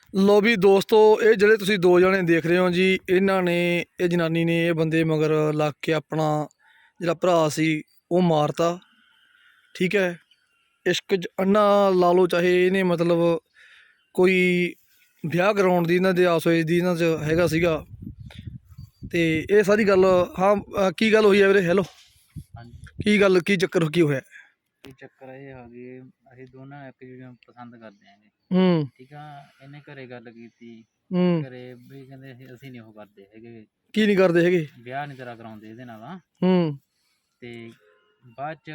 ਲੋ ਵੀ ਦੋਸਤੋ, ਇਹ ਜਿਹੜੇ ਤੁਸੀਂ ਦੋ ਜਣੇ ਦੇਖ ਰਹੇ ਹੋ ਜੀ, ਇਹਨਾਂ ਨੇ ਇਹ ਜਨਾਨੀ ਨੇ ਇਹ ਬੰਦੇ ਮਗਰ ਲੱਗ ਕੇ ਆਪਣਾ ਜਿਹੜਾ ਭਰਾ ਸੀ ਉਹ ਮਾਰਤਾ। ਠੀਕ ਹੈ, ਇਸ਼ਕ 'ਚ ਅੰਨਾ ਲਾ ਲਓ, ਚਾਹੇ ਇਹਨੇ ਮਤਲਬ ਕੋਈ ਵਿਆਹ ਕਰਾਉਣ ਦੀ ਇਹਨਾਂ ਦੇ ਆਸ ਹੋਈ ਦੀ ਇਹਨਾਂ 'ਚ ਹੈਗਾ ਸੀਗਾ। ਤੇ ਇਹ ਸਾਰੀ ਗੱਲ ਕੀ ਗੱਲ ਹੋਈ ਹੈ ਵੀਰੇ? ਹੈਲੋ, ਹਾਂਜੀ, ਕੀ ਗੱਲ, ਕੀ ਚੱਕਰ, ਕੀ ਹੋਇਆ? ਇਹ ਚੱਕਰ ਇਹ ਆ ਗਈ, ਅਸੀਂ ਦੋਨਾਂ ਇੱਕ ਦੂਜੇ ਨੂੰ ਪਸੰਦ ਕਰਦੇ ਆਂਗੇ। ਠੀਕ ਆ, ਇਹਨੇ ਘਰੇ ਗੱਲ ਕੀਤੀ, ਘਰੇ ਵੀ ਕਹਿੰਦੇ ਅਸੀਂ ਨਹੀਂ ਉਹ ਕਰਦੇ ਹੈਗੇ, ਕੀ ਨਹੀਂ ਕਰਦੇ ਹੈਗੇ? ਵਿਆਹ ਨਹੀਂ ਤੇਰਾ ਕਰਾਉਂਦੇ ਇਹਦੇ ਨਾਲ। ਤੇ ਬਾਅਦ ਚ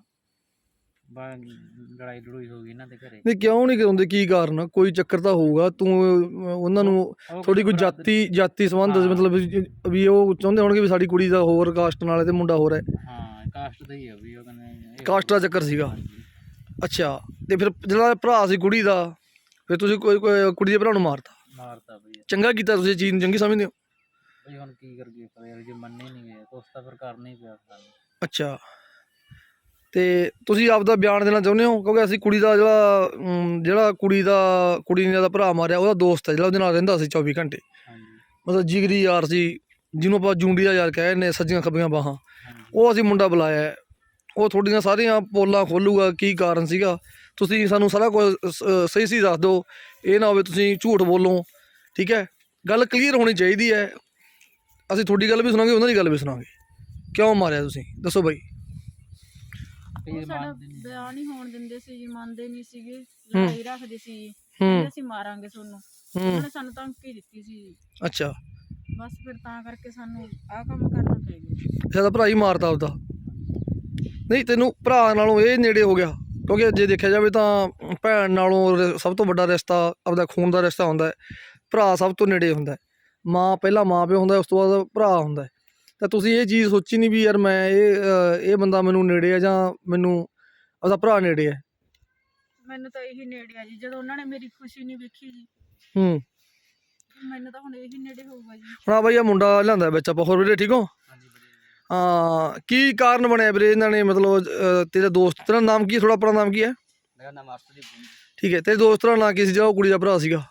ਲੜਾਈ ਲੜੂਈ ਹੋ ਗਈ ਇਹਨਾਂ ਦੇ ਘਰੇ। ਨਹੀਂ, ਕਿਉਂ ਨਹੀਂ ਕਰਾਉਂਦੇ? ਕੀ ਕਾਰਨ? ਕੋਈ ਚੱਕਰ ਤਾਂ ਹੋਊਗਾ। ਤੂੰ ਉਹਨਾਂ ਨੂੰ ਥੋੜੀ ਕੋਈ ਜਾਤੀ ਸੰਬੰਧ ਮਤਲਬ ਵੀ ਉਹ ਚਾਹੁੰਦੇ ਹੋਣਗੇ ਵੀ ਸਾਡੀ ਕੁੜੀ ਦਾ ਹੋਰ ਕਾਸਟ ਨਾਲ ਤੇ ਮੁੰਡਾ ਹੋਰ ਹੈ। ਹਾਂ, ਕਾਸਟ ਦਾ ਹੀ ਆ ਵੀ, ਉਹ ਕਹਿੰਦੇ ਕਾਸਟ ਦਾ ਚੱਕਰ ਸੀਗਾ। ਅੱਛਾ, ਤੇ ਫਿਰ ਜਿਹੜਾ ਭਰਾ ਸੀ ਕੁੜੀ ਦਾ, ਫਿਰ ਤੁਸੀਂ ਕੋਈ ਕੁੜੀ ਦੇ ਭਰਾ ਨੂੰ ਮਾਰਤਾ ਬਈ। ਚੰਗਾ ਕੀਤਾ ਤੁਸੀਂ, ਚੀਜ਼ ਨੂੰ ਚੰਗੀ ਸਮਝਦੇ ਹੋ ਬਈ। ਹੁਣ ਕੀ ਕਰੀਏ, ਪਰ ਜੇ ਮੰਨੇ ਨਹੀਂ ਗਏ ਕੁਛ ਤਾਂ ਫਿਰ ਕਰਨਾ ਹੀ ਪਿਆ ਸਾਨੂੰ। ਅੱਛਾ, ਤੇ ਤੁਸੀਂ ਆਪਦਾ ਬਿਆਨ ਦੇਣਾ ਚਾਹੁੰਦੇ ਹੋ? ਕਿਉਂਕਿ ਅਸੀਂ ਕੁੜੀ ਦਾ ਜਿਹੜਾ ਕੁੜੀ ਨੇ ਦਾ ਭਰਾ ਮਾਰਿਆ, ਉਹਦਾ ਦੋਸਤ ਹੈ ਜਿਹੜਾ ਉਹਦੇ ਨਾਲ ਰਹਿੰਦਾ ਸੀ 24 ਘੰਟੇ। ਮਤਲਬ ਜਿਗਰੀ ਯਾਰ ਸੀ, ਜਿਹਨੂੰ ਆਪਾਂ ਜੂੰਡੀ ਦਾ ਯਾਰ ਕਹਿ ਦਿੰਦੇ, ਸੱਜੀਆਂ ਖੱਬੀਆਂ ਬਾਹਾਂ। ਉਹ ਅਸੀਂ ਮੁੰਡਾ ਬੁਲਾਇਆ, ਉਹ ਤੁਹਾਡੀਆਂ ਸਾਰੀਆਂ ਪੋਲਾਂ ਖੋਲੂਗਾ ਕੀ ਕਾਰਨ ਸੀਗਾ। ਤੁਸੀਂ ਸਾਨੂੰ ਸਾਰਾ ਕੁਝ ਸਹੀ ਦੱਸ ਦਿਓ, ਇਹ ਨਾ ਹੋਵੇ ਤੁਸੀਂ ਝੂਠ ਬੋਲੋ। ਠੀਕ ਹੈ, ਗੱਲ ਕਲੀਅਰ ਹੋਣੀ ਚਾਹੀਦੀ ਹੈ। ਅਸੀਂ ਤੁਹਾਡੀ ਗੱਲ ਵੀ ਸੁਣਾਂਗੇ, ਉਹਨਾਂ ਦੀ ਗੱਲ ਵੀ ਸੁਣਾਂਗੇ। ਕਿਉਂ ਮਾਰਿਆ ਤੁਸੀਂ, ਦੱਸੋ ਬਾਈ। ਉਹ ਸਾਡਾ ਵਿਆਹ ਨਹੀਂ ਹੋਣ ਦਿੰਦੇ ਸੀ ਜੀ, ਮੰਨਦੇ ਨਹੀਂ ਸੀਗੇ, ਲੜਾਈ ਰੱਖਦੇ ਸੀ ਜੀ, ਕਹਿੰਦੇ ਅਸੀਂ ਮਾਰਾਂਗੇ ਤੁਹਾਨੂੰ। ਉਹਨਾਂ ਨੇ ਸਾਨੂੰ ਧਮਕੀ ਦਿੱਤੀ ਸੀ ਜੀ। ਅੱਛਾ, ਬਸ ਫਿਰ ਤਾਂ ਕਰਕੇ ਸਾਨੂੰ ਆਹ ਕੰਮ ਕਰਨਾ ਪੈ ਗਿਆ। ਸਾਡਾ ਭਰਾ ਹੀ ਮਾਰਤਾ ਉਹਦਾ। ਨਹੀਂ, ਤੈਨੂੰ ਭਰਾ ਨਾਲੋਂ ਇਹ ਨੇੜੇ ਹੋ ਗਿਆ, ਕਿਉਂਕਿ ਜੇ ਦੇਖਿਆ ਜਾਵੇ ਤਾਂ ਭੈਣ ਨਾਲੋਂ ਸਭ ਤੋਂ ਵੱਡਾ ਰਿਸ਼ਤਾ ਆਪਦਾ ਖੂਨ ਦਾ ਰਿਸ਼ਤਾ ਹੁੰਦਾ ਹੈ। ਭਰਾ ਸਭ ਤੋਂ ਨੇੜੇ ਹੁੰਦਾ ਹੈ। ਪਹਿਲਾਂ ਮਾਂ ਪਿਓ ਹੁੰਦਾ, ਉਸ ਤੋਂ ਬਾਅਦ ਭਰਾ ਹੁੰਦਾ। ਤਾਂ ਤੁਸੀਂ ਇਹ ਚੀਜ਼ ਸੋਚੀ ਨਹੀਂ ਵੀ ਯਾਰ ਮੈਂ ਇਹ ਬੰਦਾ ਮੈਨੂੰ ਨੇੜੇ ਆ ਜਾਂ ਮੈਨੂੰ ਆਪਦਾ ਭਰਾ ਨੇੜੇ ਹੈ? ਮੈਨੂੰ ਤਾਂ ਇਹੀ ਨੇੜੇ ਆ ਜੀ, ਜਦੋਂ ਉਹਨਾਂ ਨੇ ਮੇਰੀ ਖੁਸ਼ੀ ਨਹੀਂ ਵੇਖੀ ਜੀ, ਮੈਨੂੰ ਤਾਂ ਹੁਣ ਇਹੀ ਨੇੜੇ ਹੋਊਗਾ ਜੀ। ਹਾਂ ਬਾਈ, ਆ ਮੁੰਡਾ ਲਿਆਂਦਾ ਵਿੱਚ ਆਪਾਂ। ਹੋਰ ਵੀਰੇ ਠੀਕ ਹੋ? ਹਾਂ, ਕੀ ਕਾਰਨ ਬਣਿਆ ਵੀਰੇ ਇਹਨਾਂ ਨੇ ਮਤਲਬ ਤੇਰਾ ਦੋਸਤ, ਤੇਰਾ ਨਾਮ ਕੀ ਹੈ? ਥੋੜਾ ਆਪਣਾ ਨਾਮ ਕੀ ਹੈ? ਮੇਰਾ ਨਾਮ ਅਰਸ਼ਦੀਪ। ਠੀਕ ਹੈ, ਤੇਰੇ ਦੋਸਤ ਦਾ ਨਾਂ ਕੀ ਸੀ ਜਿਹੜਾ ਉਹ ਕੁੜੀ ਦਾ ਭਰਾ ਸੀਗਾ?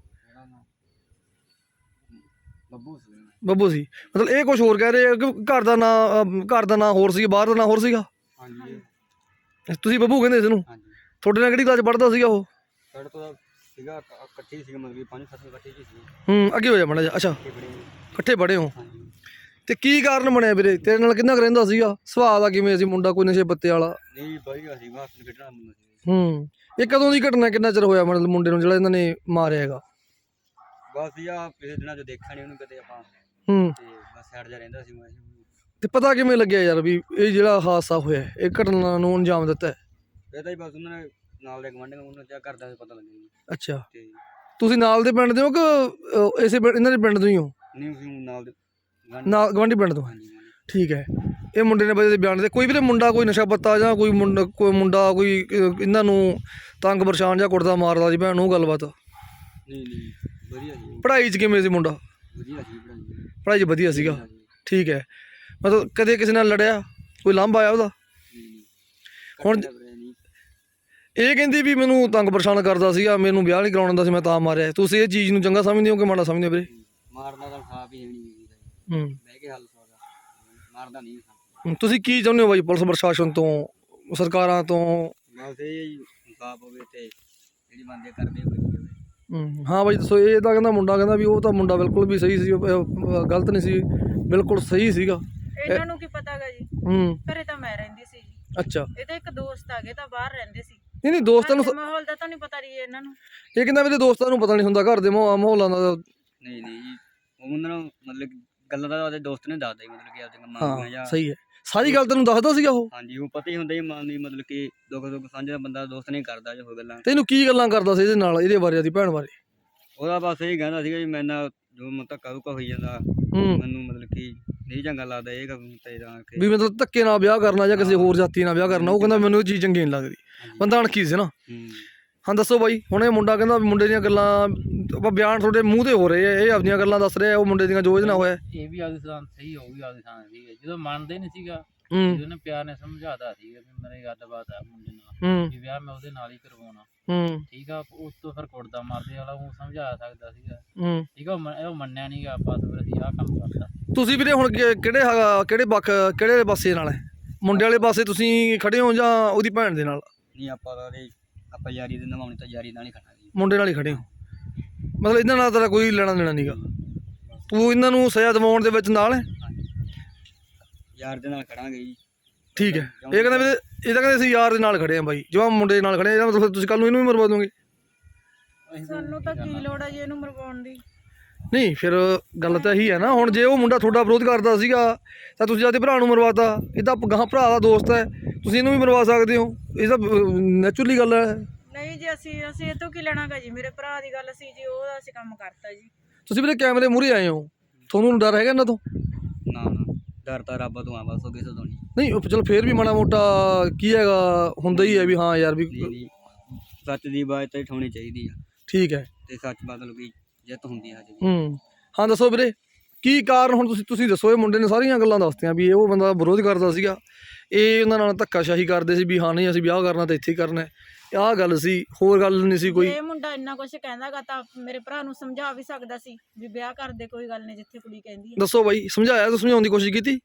ਬੱਬੂ ਸੀ। ਮਤਲਬ ਇਹ ਕੁਝ ਹੋਰ ਕਹਿ ਰਹੇ ਕਿ ਘਰ ਦਾ ਨਾਂ ਹੋਰ ਸੀ, ਬਾਹਰ ਦਾ ਨਾਂ ਹੋਰ ਸੀਗਾ? ਹਾਂਜੀ, ਤੁਸੀਂ ਬੱਬੂ ਕਹਿੰਦੇ ਸੀ ਇਹਨੂੰ? ਤੁਹਾਡੇ ਨਾਲ ਕਿਹੜੀ ਕਲਾਸ ਪੜ੍ਹਦਾ ਸੀਗਾ ਉਹ? ਸਾਡੇ ਤੋਂ ਸੀਗਾ ਇਕੱਠੇ ਸੀਗੇ, ਮਤਲਬ 5-7 ਇਕੱਠੇ ਸੀ। ਅੱਗੇ ਹੋ ਜਾ ਮਾੜਾ ਜਿਹਾ। ਅੱਛਾ, ਇਕੱਠੇ ਪੜ੍ਹੇ ਹੋ। ਤੇ ਕੀ ਕਾਰਨ ਬਣਿਆ ਵੀਰੇ? ਤੇਰੇ ਨਾਲ ਕਿੰਨਾ ਕੁ ਰਹਿੰਦਾ ਸੀਗਾ? ਸੁਭਾਅ ਦਾ ਕਿਵੇਂ ਸੀ ਮੁੰਡਾ? ਕੋਈ ਨਸ਼ੇ ਪੱਤੇ ਵਾਲਾ? ਨਹੀਂ ਵਧੀਆ ਸੀ, ਬਸ ਖੇਡਣਾ ਮੁੰਡਾ ਸੀ। ਇਹ ਕਦੋਂ ਦੀ ਘਟਨਾ, ਕਿੰਨਾ ਚਿਰ ਹੋਇਆ ਮਤਲਬ ਮੁੰਡੇ ਨੂੰ ਜਿਹੜਾ ਇਹਨਾਂ ਨੇ ਮਾਰਿਆ ਹੈਗਾ? ਬਸ ਯਾ ਪਿਛਲੇ ਦਿਨਾਂ ਚ ਦੇਖਿਆ ਨਹੀਂ ਉਹਨੂੰ ਕਦੇ ਆਪਾਂ, ਤੇ ਬਸ ਸਾਈਡ ਜਾ ਰਹਿੰਦਾ ਸੀ ਮੈਂ। ਤੇ ਪਤਾ ਕਿਵੇਂ ਲੱਗਿਆ ਯਾਰ ਵੀ ਇਹ ਜਿਹੜਾ ਹਾਦਸਾ ਹੋਇਆ, ਇਹ ਘਟਨਾ ਨੂੰ ਅੰਜਾਮ ਦਿੱਤਾ? ਇਹ ਤਾਂ ਹੀ ਬਸ ਉਹਨਾਂ ਨੇ ਨਾਲ ਦੇ ਗਵਾਂਢੀਆਂ ਨੂੰ ਕਿਆ ਕਰਦਾ ਪਤਾ ਲੱਗਿਆ। ਅੱਛਾ, ਤੇ ਤੁਸੀਂ ਨਾਲ ਦੇ ਪਿੰਡ ਦੇ ਹੋ ਕਿ ਇਹਨਾਂ ਦੇ ਪਿੰਡ ਤੋਂ ਹੀ ਹੋ? ਨਹੀਂ, ਅਸੀਂ ਨਾਲ ਦੇ ਗਵਾਂਢੀ ਪਿੰਡ ਤੋਂ? ਠੀਕ ਹੈ। ਇਹ ਮੁੰਡੇ ਨੇ ਬਜੇ ਦੇ ਬਿਆਨ ਦੇ ਕੋਈ ਵੀਰੇ ਮੁੰਡਾ ਕੋਈ ਨਸ਼ਾ ਪੱਤਾ ਜਾਂ ਕੋਈ ਮੁੰਡਾ ਕੋਈ ਇਹਨਾਂ ਨੂੰ ਤੰਗ ਪਰੇਸ਼ਾਨ ਜਾਂ ਕੁੱਟਦਾ ਮਾਰਦਾ ਸੀ ਭੈਣ, ਉਹ ਗੱਲਬਾਤ? ਨਹੀਂ ਵਧੀਆ ਸੀ। ਪੜ੍ਹਾਈ 'ਚ ਕਿਵੇਂ ਸੀ ਮੁੰਡਾ? ਵਧੀਆ ਸੀ ਪੜ੍ਹਾਈ 'ਚ ਵਧੀਆ ਸੀਗਾ। ਠੀਕ ਹੈ, ਮਤਲਬ ਕਦੇ ਕਿਸੇ ਨਾਲ ਲੜਿਆ, ਕੋਈ ਲਾਂਭਾ ਆਇਆ ਉਹਦਾ? ਹੁਣ ਇਹ ਕਹਿੰਦੀ ਵੀ ਮੈਨੂੰ ਤੰਗ ਪਰੇਸ਼ਾਨ ਕਰਦਾ ਸੀਗਾ, ਮੈਨੂੰ ਵਿਆਹ ਨਹੀਂ ਕਰਾਉਣ ਦਿੰਦਾ ਸੀ, ਮੈਂ ਤਾਂ ਮਾਰਿਆ। ਤੁਸੀਂ ਇਹ ਚੀਜ਼ ਨੂੰ ਚੰਗਾ ਸਮਝਦੇ ਹੋ ਕਿ ਮਾੜਾ ਸਮਝਦੇ ਹੋ ਵੀਰੇ? ਮਾਰਨਾ ਤਾਂ ਖਾ ਵੀ ਨਹੀਂ, ਬਹਿ ਕੇ ਹੱਲ ਮਾਰਦਾ ਨਹੀਂ। ਤੁਸੀਂ ਕੀ ਚਾਹੁੰਦੇ ਹੋ ਬਾਈ ਪੁਲਿਸ ਪ੍ਰਸ਼ਾਸਨ ਤੋਂ, ਸਰਕਾਰਾਂ ਤੋਂ? ਬਸ ਇਹ ਇਨਸਾਫ ਹੋਵੇ ਤੇ ਜਿਹੜੀ ਬੰਦੇ ਕਰਦੇ ਹੋਵੇ। ਹਾਂ ਬਾਈ ਦੱਸੋ। ਇਹ ਤਾਂ ਕਹਿੰਦਾ ਮੁੰਡਾ ਕਹਿੰਦਾ ਵੀ ਉਹ ਤਾਂ ਮੁੰਡਾ ਬਿਲਕੁਲ ਵੀ ਸਹੀ ਸੀ, ਗਲਤ ਨਹੀਂ ਸੀ, ਬਿਲਕੁਲ ਸਹੀ ਸੀਗਾ। ਇਹਨਾਂ ਨੂੰ ਕੀ ਪਤਾਗਾ ਜੀ, ਘਰੇ ਤਾਂ ਮੈਂ ਰਹਿੰਦੀ ਸੀ। ਅੱਛਾ, ਇਹ ਤਾਂ ਇੱਕ ਦੋਸਤ ਆਗੇ ਤਾਂ ਬਾਹਰ ਰਹਿੰਦੇ ਸੀ। ਨਹੀਂ ਦੋਸਤਾਂ ਨੂੰ ਮਾਹੌਲ ਦਾ ਤਾਂ ਨਹੀਂ ਪਤਾ ਰਹੀ ਇਹਨਾਂ ਨੂੰ। ਇਹ ਕਹਿੰਦਾ ਮੇਰੇ ਦੋਸਤਾਂ ਨੂੰ ਪਤਾ ਨਹੀਂ ਹੁੰਦਾ ਘਰ ਦੇ ਮਾਹੌਲਾਂ ਦਾ। ਨਹੀਂ ਜੀ, ਉਹਨਾਂ ਨੂੰ ਮਤਲਬ ਗੱਲਾਂ ਦਾ ਉਹਦੇ ਦੋਸਤ ਨੇ ਦੱਸਦਾ ਹੀ, ਮਤਲਬ ਕਿ ਆਪਦੇ ਮਾਂ ਜਾਂ ਸਹੀ ਹੈ, ਸਾਰੀ ਗੱਲ ਤੈਨੂੰ ਦੱਸਦਾ ਸੀਗਾ ਉਹ? ਹਾਂਜੀ, ਉਹ ਪਤਾ ਹੀ ਹੁੰਦਾ ਹੀ ਮਾਂ ਨੂੰ, ਮਤਲਬ ਕਿ ਦੁੱਖ ਸਾਂਝਾ ਬੰਦਾ ਦੋਸਤ ਨਹੀਂ ਕਰਦਾ ਜੋ ਗੱਲਾਂ। ਤੈਨੂੰ ਕੀ ਗੱਲਾਂ ਕਰਦਾ ਸੀ ਇਹਦੇ ਨਾਲ, ਇਹਦੇ ਬਾਰੇ, ਉਹਦੀ ਭੈਣ ਬਾਰੇ? ਉਹਦਾ ਬਸ ਇਹ ਕਹਿੰਦਾ ਸੀਗਾ ਜੀ ਮੇਰੇ ਨਾਲ ਜੋ ਧੱਕਾ ਧੁੱਕਾ ਹੋਈ ਜਾਂਦਾ, ਮੈਨੂੰ ਮਤਲਬ ਕਿ ਨਹੀਂ ਚੰਗਾ ਲੱਗਦਾ ਇਹ ਕੰਮ ਵੀ ਮਤਲਬ ਧੱਕੇ ਨਾਲ ਵਿਆਹ ਕਰਨਾ ਜਾਂ ਕਿਸੇ ਹੋਰ ਜਾਤੀ ਨਾਲ ਵਿਆਹ ਕਰਨਾ। ਉਹ ਕਹਿੰਦਾ ਮੈਨੂੰ ਇਹ ਚੀਜ਼ ਚੰਗੀ ਨਹੀਂ ਲੱਗਦੀ। ਬੰਦਾ ਅਣਖੀ ਸੀ ਨਾ। ਹਾਂ ਦੱਸੋ ਬਾਈ। ਹੁਣ ਇਹ ਮੁੰਡਾ ਕਹਿੰਦਾ ਮੁੰਡੇ ਦੀਆਂ ਗੱਲਾਂ, ਆਪਾਂ ਬਿਆਨ ਤੁਹਾਡੇ ਮੂੰਹ ਤੇ ਹੋ ਰਹੇ ਆ, ਇਹ ਆਪਣੀਆਂ ਗੱਲਾਂ ਦੱਸ ਰਿਹਾ, ਉਹ ਮੁੰਡੇ ਦੀਆਂ ਜੋ ਇਹਦੇ ਨਾਲ ਹੋਇਆ। ਇਹ ਵੀ ਆਪਦੀ ਥਾਂ ਸਹੀ ਹੋਊਗੀ, ਆਪਦੀ ਥਾਂ ਸਹੀ ਹੈ। ਜਦੋਂ ਮੰਨਦੇ ਨਹੀਂ ਸੀਗਾ, ਉਹਨੇ ਪਿਆਰ ਨੇ ਸਮਝਾਤਾ ਸੀਗਾ ਵੀ ਮੇਰੇ ਗੱਲਬਾਤ ਆ ਮੁੰਡੇ ਨਾਲ, ਵੀ ਵਿਆਹ ਮੈਂ ਉਹਦੇ ਨਾਲ ਹੀ ਕਰਵਾਉਣਾ। ਠੀਕ ਆ। ਉਸ ਤੋਂ ਫਿਰ ਕੁੱਟਦਾ ਮਾਰਦੇ ਵਾਲਾ ਉਹ ਸਮਝਾ ਸਕਦਾ ਸੀਗਾ, ਹੂੰ ਠੀਕ ਆ। ਉਹ ਮੰਨਿਆ ਨਹੀਂ ਗਾ, ਬਸ ਫਿਰ ਅਸੀਂ ਆਹ ਕੰਮ ਕਰਤਾ। ਤੁਸੀਂ ਵੀਰੇ ਹੁਣ ਕਿਹੜੇ ਪਾਸੇ ਨਾਲ ਹੈ? ਮੁੰਡੇ ਵਾਲੇ ਪਾਸੇ ਤੁਸੀਂ ਖੜੇ ਹੋ ਜਾਂ ਉਹਦੀ ਭੈਣ ਦੇ ਨਾਲ? ਨਹੀਂ ਆਪਾਂ ਯਾਰੀ ਦੇ ਨਿਭਾਉਣੀ ਤਾਂ ਯਾਰੀ ਨਾਲ ਹੀ ਖੜਾ ਜੀ। ਮੁੰਡੇ ਨਾਲ ਹੀ ਖੜੇ ਹੋ, ਮਤਲਬ ਇਹਨਾਂ ਨਾਲ ਤੇਰਾ ਕੋਈ ਲੈਣਾ ਦੇਣਾ ਨਹੀਂਗਾ, ਤੂੰ ਇਹਨਾਂ ਨੂੰ ਸਜ਼ਾ ਦਿਵਾਉਣ ਦੇ ਵਿੱਚ ਨਾਲ ਹੈ? ਯਾਰ ਦੇ ਨਾਲ ਖੜਾਂਗੇ ਜੀ। ਠੀਕ ਹੈ। ਇਹ ਕਹਿੰਦਾ ਵੀ ਇਹ ਤਾਂ ਕਹਿੰਦੇ ਅਸੀਂ ਯਾਰ ਦੇ ਨਾਲ ਖੜੇ ਆ ਬਾਈ, ਜਵਾਂ ਮੁੰਡੇ ਦੇ ਨਾਲ ਖੜੇ ਆ, ਇਹਦਾ ਮਤਲਬ ਤੁਸੀਂ ਕੱਲ ਨੂੰ ਇਹਨੂੰ ਵੀ ਮਰਵਾ ਦੋਗੇ? ਸਾਨੂੰ ਤਾਂ ਕੀ ਲੋੜ ਹੈ ਜੀ ਇਹਨੂੰ ਮਰਵਾਉਣ ਦੀ? ਨਹੀਂ ਫਿਰ ਗੱਲ ਤਾਂ ਇਹੀ ਹੈ ਨਾ, ਹੁਣ ਜੇ ਉਹ ਮੁੰਡਾ ਤੁਹਾਡਾ ਵਿਰੋਧ ਕਰਦਾ ਸੀਗਾ ਤਾਂ ਤੁਸੀਂ ਆਪਦੇ ਭਰਾ ਨੂੰ ਮਰਵਾਤਾ, ਇਹ ਤਾਂ ਗਾਹਾਂ ਭਰਾ ਦਾ ਦੋਸਤ ਹੈ, ਤੁਸੀਂ ਇਹਨੂੰ ਵੀ ਮਰਵਾ ਸਕਦੇ ਹੋ, ਇਹ ਤਾਂ ਨੈਚੁਰਲੀ ਗੱਲ ਹੈ। ਨਹੀਂ ਜੀ ਅਸੀਂ ਇਹ ਤੋਂ ਕੀ ਲੈਣਾਗਾ ਜੀ, ਮੇਰੇ ਭਰਾ ਦੀ ਗੱਲ ਸੀ ਜੀ, ਉਹ ਅਸੀਂ ਕੰਮ ਕਰਤਾ ਜੀ। ਤੁਸੀਂ ਵੀਰੇ ਕੈਮਰੇ ਮੂਹਰੇ ਆਏ ਹੋ, ਤੁਹਾਨੂੰ ਡਰ ਹੈਗਾ ਇਹਨਾਂ ਤੋਂ? ਨਾ ਡਰ ਤਾਂ ਰੱਬ ਤੋਂ ਆ, ਬਸ ਉਹ ਕਿਸੇ ਤੋਂ ਨਹੀਂ। ਨਹੀਂ ਚਲੋ ਫੇਰ ਵੀ ਮਾੜਾ ਮੋਟਾ ਕੀ ਹੈਗਾ, ਹੁੰਦਾ ਹੀ ਹੈ ਵੀ ਹਾਂ ਯਾਰ ਵੀ। ਨਹੀਂ ਸੱਚ ਦੀ ਬਾਤ ਤਾਂ ਉਠਾਉਣੀ ਚਾਹੀਦੀ ਆ। ਠੀਕ ਹੈ। ਤੇ ਸੱਚ ਬਦਲ ਗਈ ਜਿੱਤ ਹੁੰਦੀ ਆ ਜੀ। ਹਾਂ ਦੱਸੋ ਵੀਰੇ ਕੀ ਕਾਰਨ, ਹੁਣ ਤੁਸੀਂ ਦੱਸੋ। ਇਹ ਮੁੰਡੇ ਨੇ ਸਾਰੀਆਂ ਗੱਲਾਂ ਦੱਸਤੀਆਂ ਵੀ ਇਹ ਉਹ ਬੰਦਾ ਵਿਰੋਧ ਕਰਦਾ ਸੀਗਾ, ਇਹ ਉਹਨਾਂ ਨਾਲ ਧੱਕਾਸ਼ਾਹੀ ਕਰਦੇ ਸੀ ਵੀ ਹਾਂ ਨਹੀਂ ਅਸੀਂ ਵਿਆਹ ਕਰਨਾ ਤਾਂ ਇੱਥੇ ਹੀ ਕਰਨਾ, ਆਹ ਗੱਲ ਸੀ, ਹੋਰ ਗੱਲ ਨਹੀਂ ਸੀ ਕੋਈ? ਇਹ ਮੁੰਡਾ ਇੰਨਾ ਕੁਝ ਕਹਿੰਦਾਗਾ ਤਾਂ ਮੇਰੇ ਭਰਾ ਨੂੰ ਸਮਝਾ ਵੀ ਸਕਦਾ ਸੀ ਵੀ ਵਿਆਹ ਕਰਦੇ, ਕੋਈ ਗੱਲ ਨਹੀਂ ਜਿੱਥੇ ਕੁੜੀ ਕਹਿੰਦੀ ਹੈ। ਦੱਸੋ ਬਾਈ, ਸਮਝਾਇਆ ਤਾਂ ਸਮਝਾਉਣ ਦੀ ਕੋਸ਼ਿਸ਼ ਕੀਤੀ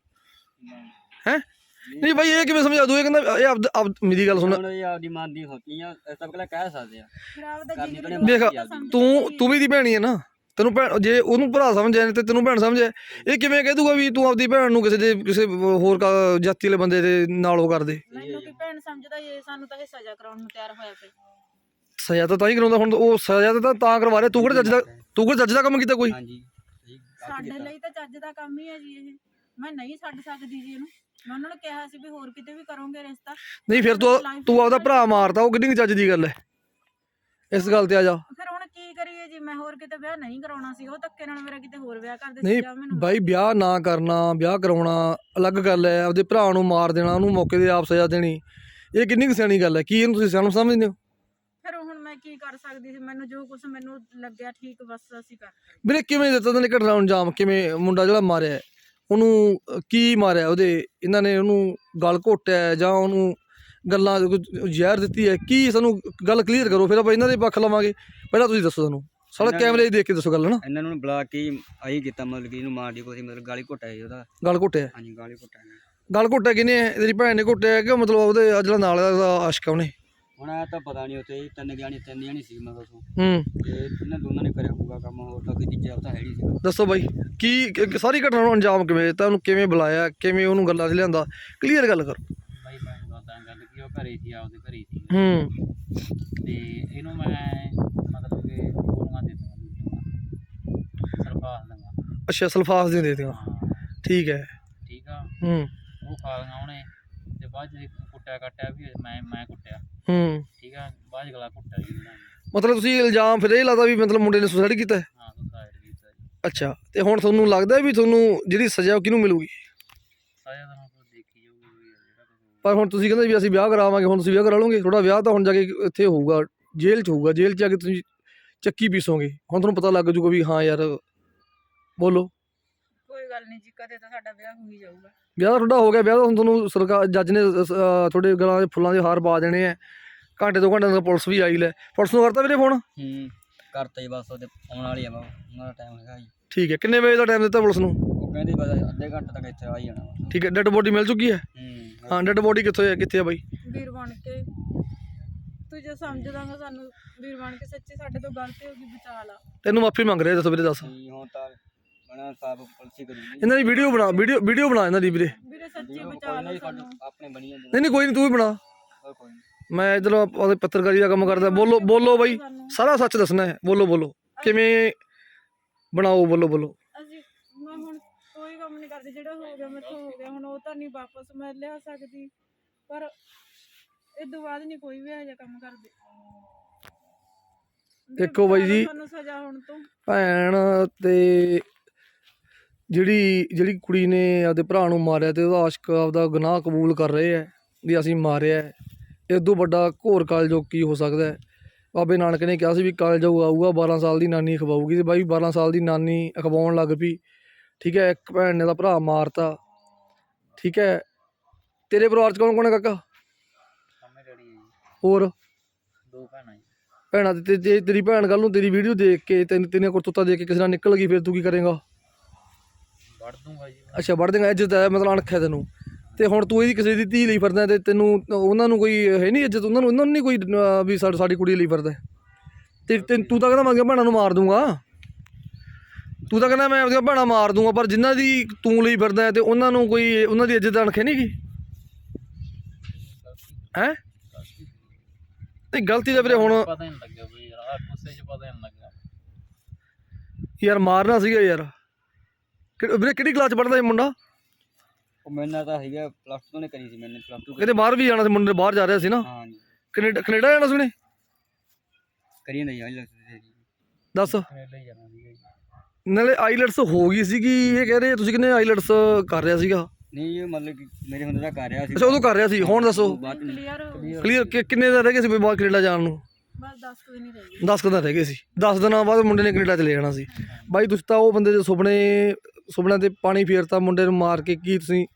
ਹੈ? ਨਹੀਂ ਬਾਈ ਇਹ ਕਿਵੇਂ ਸਮਝਾ ਦੂ? ਇਹ ਕਹਿੰਦਾ ਇਹ ਮੇਰੀ ਗੱਲ ਸੁਣ, ਹੁਣ ਇਹ ਆਪਦੀ ਮਨ ਦੀ ਹੋਤੀ ਆ, ਇਸ ਤਾਂ ਪਹਿਲਾਂ ਕਹਿ ਸਕਦੇ ਆ। ਫਿਰ ਆਪਦਾ ਜੀ ਦੇਖ ਤੂੰ ਵੀ ਦੀ ਭੈਣੀ ਹੈ ਨਾ, ਤੈਨੂੰ ਭੈਣ ਜੇ ਉਹਨੂੰ ਭਰਾ ਸਮਝਿਆ ਤੇ ਤੈਨੂੰ ਭੈਣ ਸਮਝਿਆ, ਇਹ ਕਿਵੇਂ ਕਹਿ ਦੂਗਾ ਵੀ ਤੂੰ ਆਪਦੀ ਭੈਣ ਨੂੰ ਕਿਸੇ ਹੋਰ ਜਾਤੀ ਵਾਲੇ ਬੰਦੇ ਦੇ ਨਾਲ ਉਹ ਕਰਦੇ? ਮੈਨੂੰ ਕੀ ਭੈਣ ਸਮਝਦਾ ਇਹ, ਸਾਨੂੰ ਤਾਂ ਇਹ ਸਜ਼ਾ ਕਰਾਉਣ ਨੂੰ ਤਿਆਰ ਹੋਇਆ ਪਿਆ। ਸਜ਼ਾ ਤਾਂ ਹੀ ਕਰਾਉਂਦਾ, ਹੁਣ ਉਹ ਸਜ਼ਾ ਤਾਂ ਕਰਵਾ ਰਿਹਾ, ਤੂੰ ਕਿਹੜਾ ਜੱਜ ਦਾ ਕੰਮ ਕੀਤਾ ਕੋਈ? ਹਾਂਜੀ ਸਾਡੇ ਲਈ ਤਾਂ ਚੱਜ ਦਾ ਕੰਮ ਹੀ ਹੈ ਜੀ ਇਹ, ਮੈਂ ਨਹੀਂ ਛੱਡ ਸਕਦੀ ਜੀ ਇਹਨੂੰ। ਮੈਂ ਉਹਨਾਂ ਨੂੰ ਕਿਹਾ ਸੀ ਵੀ ਹੋਰ ਕਿਤੇ ਵੀ ਕਰੋਗੇ ਰਿਸ਼ਤਾ। ਨਹੀਂ ਫਿਰ ਤੂੰ ਆਪਦਾ ਭਰਾ ਮਾਰਦਾ, ਉਹ ਕਿੰਨੀ ਚੱਜ ਦੀ ਗੱਲ ਹੈ? ਇਸ ਗੱਲ ਤੇ ਆ ਜਾ। ਫਿਰ ਹੁਣ ਕੀ ਕਰੀਏ ਜੀ, ਮੈਂ ਹੋਰ ਕਿਤੇ ਵਿਆਹ ਨਹੀਂ ਕਰਾਉਣਾ ਸੀ, ਉਹ ਧੱਕੇ ਨਾਲ ਮੇਰਾ ਕਿਤੇ ਹੋਰ ਵਿਆਹ ਕਰਦੇ ਨਹੀਂ ਬਾਈ, ਵਿਆਹ ਨਾ ਕਰਨਾ ਵਿਆਹ ਕਰਾਉਣਾ ਅਲੱਗ ਗੱਲ ਹੈ, ਆਪਦੇ ਭਰਾ ਨੂੰ ਮਾਰ ਦੇਣਾ, ਉਹਨੂੰ ਮੌਕੇ ਤੇ ਆਪ ਸਜ਼ਾ ਦੇਣੀ, ਇਹ ਕਿੰਨੀ ਕੁ ਸਿਆਣੀ ਗੱਲ ਹੈ? ਕੀ ਇਹਨੂੰ ਤੁਸੀਂ ਸਿਆਣਾ ਸਮਝਦੇ ਹੋ? ਫਿਰ ਹੁਣ ਮੈਂ ਕੀ ਕਰ ਸਕਦੀ ਸੀ, ਮੈਨੂੰ ਜੋ ਕੁਝ ਮੈਨੂੰ ਲੱਗਿਆ ਠੀਕ ਬਸ ਅਸੀਂ ਕਰ। ਵੀਰੇ ਕਿਵੇਂ ਦਿੱਤਾ ਇਹਨਾਂ ਨੇ ਘਟਨਾ ਨੂੰ ਅੰਜਾਮ? ਕਿਵੇਂ ਮੁੰਡਾ ਜਿਹੜਾ ਮਾਰਿਆ ਉਹਨੂੰ ਕੀ ਮਾਰਿਆ? ਇਹਨਾਂ ਨੇ ਉਹਨੂੰ ਗਲ ਘੋਟਿਆ ਜਾਂ ਉਹਨੂੰ ਗੱਲਾਂ ਜ਼ਹਿਰ ਦਿੱਤੀ ਹੈ? ਕੀ ਸਾਨੂੰ ਗੱਲ ਕਲੀਅਰ ਕਰੋ, ਫਿਰ ਆਪਾਂ ਇਹਨਾਂ ਦੇ ਪੱਖ ਲਵਾਂਗੇ। ਪਹਿਲਾਂ ਤੁਸੀਂ ਦੱਸੋ ਸਾਨੂੰ, ਸਾਡਾ ਕੈਮਰੇ ਦੇਖ ਕੇ ਦੱਸੋ ਗੱਲ ਨਾ। ਇਹਨਾਂ ਨੂੰ ਬੁਲਾ ਕੇ ਆਹੀ ਕੀਤਾ, ਮਤਲਬ ਕਿ ਇਹਨੂੰ ਮਾਰ ਦੀ ਕੋਈ, ਮਤਲਬ ਗਾਲੀ ਘੋਟਿਆ ਜੀ ਉਹਦਾ। ਗਲ ਘੋਟਿਆ? ਹਾਂਜੀ ਗਾਲੀ ਘੋਟਿਆ। ਗਲ ਘੋਟਿਆ ਕਿਹਨੇ? ਤੇਰੀ ਭੈਣ ਨੇ ਘੋਟਿਆ ਕਿ ਮਤਲਬ ਉਹਦੇ ਜਿਹੜਾ ਨਾਲ ਦਾ ਆਸ਼ਕ ਉਹਨੇ? ਹੁਣ ਇਹ ਤਾਂ ਪਤਾ ਨਹੀਂ, ਉੱਥੇ ਤਿੰਨ ਜਾਣੀ ਸੀ ਮੈਂ ਦੱਸੋ। ਤੇ ਇਹਨਾਂ ਦੋਨਾਂ ਨੇ ਕਰਿਆ ਹੋਊਗਾ ਕੰਮ, ਹੋਰ ਤਾਂ ਕੋਈ ਤੀਜਾ ਤਾਂ ਹੈ ਨਹੀਂ ਸੀ। ਦੱਸੋ ਬਾਈ ਕੀ ਸਾਰੀ ਘਟਨਾ ਨੂੰ ਅੰਜਾਮ ਕਿਵੇਂ ਦਿੱਤਾ, ਉਹਨੂੰ ਕਿਵੇਂ ਬੁਲਾਇਆ, ਕਿਵੇਂ ਉਹਨੂੰ ਗੱਲਾਂ 'ਚ ਲਿਆਂਦਾ? ਕਲੀਅਰ ਗੱਲ ਕਰੋ ਬਾਈ। ਮੈਂ ਦੱਸਦਾ ਗੱਲ ਕਿ ਉਹ ਘਰੇ ਸੀ, ਆਪਦੇ ਘਰੇ ਸੀ। ਤੇ ਇਹਨੂੰ ਮੈਂ ਮਤਲਬ ਕਿ ਗੋਲੀਆਂ ਦੇ ਦੂੰਗਾ, ਸਰਫਾਸ ਦੂੰਗਾ। ਅੱਛਾ ਸਲਫਾਸ ਦੀਆਂ ਦੇ ਦਿੱਤੀਆਂ? ਠੀਕ ਹੈ। ਠੀਕ ਆ। ਉਹ ਖਾ ਲਈਆਂ ਉਹਨੇ, ਤੇ ਬਾਅਦ ਚ ਕੁੱਟਿਆ ਵੀ ਮੈਂ ਕੁੱਟਿਆ। ਠੀਕ ਆ। ਬਾਅਦ ਗਲਾ ਕੁੱਟਿਆ ਜੀ ਉਹਨਾਂ ਨੇ। ਮਤਲਬ ਤੁਸੀਂ ਇਲਜ਼ਾਮ ਫਿਰ ਇਹ ਲਾਦਾ ਵੀ ਮਤਲਬ ਮੁੰਡੇ ਨੇ ਸੁਸਾਈਡ ਕੀਤਾ? ਹਾਂ ਸੁਸਾਈਡ ਕੀਤਾ ਜੀ। ਅੱਛਾ, ਤੇ ਹੁਣ ਤੁਹਾਨੂੰ ਲੱਗਦਾ ਵੀ ਤੁਹਾਨੂੰ ਜਿਹੜੀ ਸਜ਼ਾ ਉਹ ਕਿਹਨੂੰ ਮਿਲੂਗੀ? ਸਜ਼ਾ ਤਾਂ ਹੁਣ ਦੇਖੀ ਜਾਊਗੀ ਜਿਹੜਾ ਕੁਝ। ਪਰ ਹੁਣ ਤੁਸੀਂ ਕਹਿੰਦੇ ਵੀ ਅਸੀਂ ਵਿਆਹ ਕਰਾਵਾਂਗੇ, ਹੁਣ ਤੁਸੀਂ ਵਿਆਹ ਕਰਾ ਲਓਗੇ? ਤੁਹਾਡਾ ਵਿਆਹ ਤਾਂ ਹੁਣ ਜਾ ਕੇ ਇੱਥੇ ਹੋਊਗਾ, ਜੇਲ੍ਹ 'ਚ ਹੋਊਗਾ, ਜੇਲ੍ਹ 'ਚ ਜਾ ਕੇ ਤੁਸੀਂ ਚੱਕੀ ਪੀਸੋਗੇ, ਹੁਣ ਤੁਹਾਨੂੰ ਪਤਾ ਲੱਗ ਜੂਗਾ ਵੀ ਹਾਂ ਯਾਰ। ਬੋਲੋ। ਕੋਈ ਗੱਲ ਨਹੀਂ ਜੀ, ਕਦੇ ਤਾਂ ਸਾਡਾ ਵਿਆਹ ਹੋ ਹੀ ਜਾਊਗਾ। ਵਿਆਹ ਤਾਂ ਤੁਹਾਡਾ ਹੋ ਗਿਆ, ਵਿਆਹ ਤਾਂ ਹੁਣ ਤੁਹਾਨੂੰ ਸਰਕਾਰ ਜੱਜ ਨੇ ਤੁਹਾਡੇ ਗਲਾਂ 'ਚ ਫੁੱਲਾਂ ਦੇ ਹਾਰ ਪਾ ਦੇਣੇ ਆ, ਘੰਟੇ 2 ਘੰਟੇ ਤੱਕ ਪੁਲਿਸ ਵੀ ਆਈ ਲੈ। ਪੁਲਿਸ ਨੂੰ ਕਰਤਾ ਵੀਰੇ ਫੋਨ? ਕਰਤਾ ਜੀ, ਬਸ ਉਹਦੇ ਆਉਣ ਵਾਲੀ ਆ, ਉਹਨਾਂ ਦਾ ਟਾਈਮ ਹੈਗਾ ਜੀ। ਠੀਕ ਹੈ। ਕਿੰਨੇ ਵਜੇ ਦਾ ਟਾਈਮ ਦਿੱਤਾ ਪੁਲਿਸ ਨੂੰ? ਉਹ ਕਹਿੰਦੇ ਬਸ ਅੱਧੇ ਘੰਟੇ ਤੱਕ ਇੱਥੇ ਆ ਹੀ ਜਾਣਾ। ਠੀਕ ਹੈ। ਡੈੱਡ ਬੋਡੀ ਮਿਲ ਚੁੱਕੀ ਹੈ? ਹਾਂ। ਡੈੱਡ ਬੋਡੀ ਕਿੱਥੇ ਆ ਬਾਈ? ਵੀਰ ਬਣ ਕੇ ਤੂੰ ਜੇ ਸਮਝਦਾਗਾ ਸਾਨੂੰ, ਵੀਰ ਬਣ ਕੇ ਸੱਚੀ ਸਾਡੇ ਤੋਂ ਗਲਤੀ ਹੋ ਗਈ, ਬਚਾ ਲਾ। ਤੈਨੂੰ ਮਾਫੀ ਮੰਗ ਰਿਹਾ, ਦੱਸੋ ਵੀਰੇ ਦੱਸ। ਹੁਣ ਤਾਂ ਬਣਾ ਸਾਫ ਪੁਲਿਸ ਕਰੂਗੀ। ਇਹਨਾਂ ਦੀ ਵੀਡੀਓ ਬਣਾ ਇਹਨਾਂ ਦੀ ਵੀਰੇ ਸੱਚੀ ਬਚਾ ਲਾ ਸਾਨੂੰ। ਆਪਣੇ ਬਣੀ ਜਾਂਦੇ। ਨਹੀਂ ਕੋਈ ਨਹੀਂ, ਤੂੰ ਵੀ ਬਣਾ। ਕੋਈ ਨਹੀਂ, ਮੈਂ ਇੱਧਰ ਆਪਣੀ ਪੱਤਰਕਾਰੀ ਦਾ ਕੰਮ ਕਰਦਾ। ਬੋਲੋ ਬਾਈ, ਸਾਰਾ ਸੱਚ ਦੱਸਣਾ ਹੈ। ਬੋਲੋ ਕਿਵੇਂ ਬਣਾਓ, ਬੋਲੋ। ਮੈਂ ਹੁਣ ਕੋਈ ਕੰਮ ਨਹੀਂ ਕਰਦੀ, ਜਿਹੜਾ ਹੋ ਗਿਆ ਮੈਥੋਂ ਹੋ ਗਿਆ, ਹੁਣ ਉਹ ਤਾਂ ਨਹੀਂ ਵਾਪਸ ਮੈਂ ਲਿਆ ਸਕਦੀ, ਪਰ ਇਹ ਤੋਂ ਬਾਅਦ ਨਹੀਂ ਕੋਈ ਵੀ ਇਹੋ ਜਿਹਾ ਕੰਮ ਕਰਦੇ। ਦੇਖੋ ਬਾਈ ਜੀ, ਸਾਨੂੰ ਸਜ਼ਾ ਹੋਣ ਤੋਂ ਭੈਣ ਤੇ ਜਿਹੜੀ ਕੁੜੀ ਨੇ ਆਪਦੇ ਭਰਾ ਨੂੰ ਮਾਰਿਆ ਤੇ ਉਹਦਾ ਆਸ਼ਕ ਆਪਦਾ ਗੁਨਾਹ ਕਬੂਲ ਕਰ ਰਹੇ ਹੈ ਵੀ ਅਸੀਂ ਮਾਰਿਆ। ਇਸ ਤੋਂ ਵੱਡਾ ਘੋਰ ਕਲਯੁਗ ਕੀ ਹੋ ਸਕਦਾ ਹੈ? ਬਾਬੇ ਨਾਨਕ ਨੇ ਕਿਹਾ ਸੀ ਵੀ ਕਲਯੁਗ ਆਊਗਾ, 12 ਸਾਲ ਦੀ ਨਾਨੀ ਖਵਾਊਗੀ, ਤੇ ਬਾਈ 12 ਸਾਲ ਦੀ ਨਾਨੀ ਅਖਵਾਉਣ ਲੱਗ ਪਈ। ਠੀਕ ਹੈ। ਇੱਕ ਭੈਣ ਨੇ ਦਾ ਭਰਾ ਮਾਰਤਾ। ਠੀਕ ਹੈ। ਤੇਰੇ ਪਰਿਵਾਰ 'ਚ ਕੌਣ ਹੈ ਕਾਕਾ? ਮੰਮੀ ਡੈਡੀ ਹੈ ਜੀ, ਹੋਰ 2 ਭੈਣਾਂ ਜੀ। ਭੈਣਾਂ ਤੇ ਜੇ ਤੇਰੀ ਭੈਣ ਕੱਲ ਨੂੰ ਤੇਰੀ ਵੀਡੀਓ ਦੇਖ ਕੇ ਤੇਰੀਆਂ ਕਰਤੂਤਾਂ ਦੇਖ ਕੇ ਕਿਸੇ ਨਾਲ ਨਿਕਲ ਗਈ ਫਿਰ ਤੂੰ ਕੀ ਕਰੇਂਗਾ? ਵੜ ਦੂੰਗਾ ਜੀ ਅੱਛਾ ਵੜ ਦੇਂਗਾ। ਇੱਜ਼ਤ ਹੈ ਮਤਲਬ ਅਣਖ ਹੈ ਤੈਨੂੰ। ਤੇ ਹੁਣ ਤੂੰ ਇਹਦੀ ਕਿਸੇ ਦੀ ਧੀ ਲਈ ਫਿਰਦਾ ਤੇ ਤੈਨੂੰ ਉਹਨਾਂ ਨੂੰ ਕੋਈ ਹੈ ਨਹੀਂ ਇੱਜ਼ਤ, ਉਹਨਾਂ ਨੂੰ ਨਹੀਂ ਕੋਈ ਵੀ ਸਾਡੀ ਕੁੜੀ ਲਈ ਫਿਰਦਾ। ਤੇ ਤੂੰ ਤਾਂ ਕਹਿੰਦਾ ਮੈਂ ਆਪਣੀਆਂ ਭੈਣਾਂ ਨੂੰ ਮਾਰ ਦੂੰਗਾ, ਤੂੰ ਤਾਂ ਕਹਿੰਦਾ ਮੈਂ ਆਪਣੀਆਂ ਭੈਣਾਂ ਮਾਰ ਦੂੰਗਾ, ਪਰ ਜਿਨ੍ਹਾਂ ਦੀ ਤੂੰ ਲਈ ਫਿਰਦਾ ਤੇ ਉਹਨਾਂ ਨੂੰ ਕੋਈ ਉਹਨਾਂ ਦੀ ਇੱਜ਼ਤ ਅਣਖ ਨਹੀਂ ਗੀ ਹੈ? ਨਹੀਂ ਗਲਤੀ ਤਾਂ ਵੀਰੇ ਹੁਣ ਪਤਾ ਨਹੀਂ ਲੱਗਿਆ ਬਈ ਯਾਰ, ਗੁੱਸੇ 'ਚ ਪਤਾ ਨਹੀਂ ਲੱਗਿਆ ਯਾਰ ਮਾਰਨਾ ਸੀਗਾ ਯਾਰ। ਵੀਰੇ ਕਿਹੜੀ ਕਲਾਸ 'ਚ ਪੜ੍ਹਦਾ ਇਹ ਮੁੰਡਾ? ਉਹ ਮੇਰੇ ਨਾਲ ਤਾਂ ਹੈਗਾ +2 ਨੇ ਕਰੀ ਸੀ, ਮੈਨੇ +2 ਕਿਤੇ ਬਾਹਰ ਵੀ ਜਾਣਾ ਸੀ ਮੁੰਡੇ ਨੇ, ਬਾਹਰ ਜਾ ਰਿਹਾ ਸੀ ਨਾ, ਹਾਂ ਜੀ ਕੈਨੇਡਾ ਜਾਣਾ ਸੀ ਉਹਨੇ। ਕਰੀ ਨਹੀਂ ਆਈ ਦੱਸ ਕੈਨੇਡਾ ਹੀ ਜਾਣਾ ਸੀਗਾ ਜੀ। ਨਾਲੇ ਆਈਲੈਟਸ ਹੋ ਗਈ ਸੀਗੀ, ਇਹ ਕਹਿ ਰਹੇ ਤੁਸੀਂ ਕਿੰਨੇ ਆਈਲੈਟਸ ਕਰ ਰਿਹਾ ਸੀਗਾ? ਨਹੀਂ ਇਹ ਮਤਲਬ ਕਿ ਮੇਰੇ ਹੁੰਦੇ ਦਾ ਕਰ ਰਿਹਾ ਸੀ। ਅੱਛਾ ਉਦੋਂ ਕਰ ਰਿਹਾ ਸੀ, ਹੁਣ ਦੱਸੋ ਬਾਅਦ ਚ ਨਹੀਂ। ਕਲੀਅਰ ਹੋ ਗਈ। ਕਲੀਅਰ ਕਿੰਨੇ ਦਿਨ ਰਹਿ ਗਏ ਸੀ ਬਾਹਰ ਕੈਨੇਡਾ ਜਾਣ ਨੂੰ? ਬਸ 10 ਕੁ ਦਿਨ ਹੀ ਰਹਿ ਗਏ। 10 ਦਿਨ ਰਹਿ ਗਏ ਸੀ। 10 ਦਿਨਾਂ ਬਾਅਦ ਮੁੰਡੇ ਨੇ ਕੈਨੇਡਾ ਚਲੇ ਜਾਣਾ ਸੀ। ਬਾਈ ਤੁਸੀਂ ਤਾਂ ਉਹ ਬੰਦੇ ਦੇ ਸੁਪਨਿਆਂ ਤੇ ਪਾਣੀ ਫੇਰਤਾ, ਮੁੰਡੇ ਨੂੰ ਮਾਰ ਕੇ। ਕੀ ਤੁਸੀਂ